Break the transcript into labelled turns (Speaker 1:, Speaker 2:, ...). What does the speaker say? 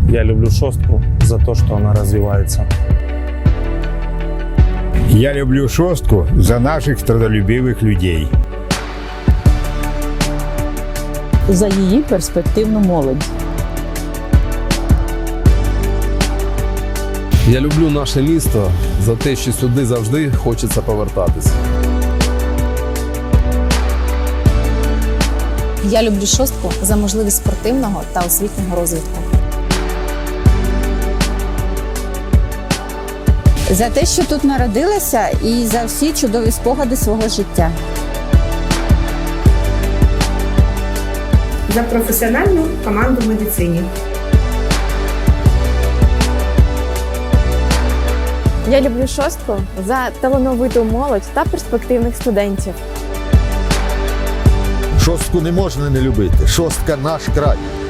Speaker 1: Я люблю «Шостку» за то, что она развивается.
Speaker 2: Я люблю «Шостку» за наших трудолюбивих людей.
Speaker 3: За її перспективну молодь.
Speaker 4: Я люблю наше місто за те, що сюди завжди хочеться повертатись.
Speaker 5: Я люблю «Шостку» за можливість спортивного та освітнього розвитку.
Speaker 6: За те, що тут народилася, і за всі чудові спогади свого життя.
Speaker 7: За професіональну команду в медицині.
Speaker 8: Я люблю «Шостку» за талановиту молодь та перспективних студентів.
Speaker 9: «Шостку» не можна не любити. «Шостка» – наш край.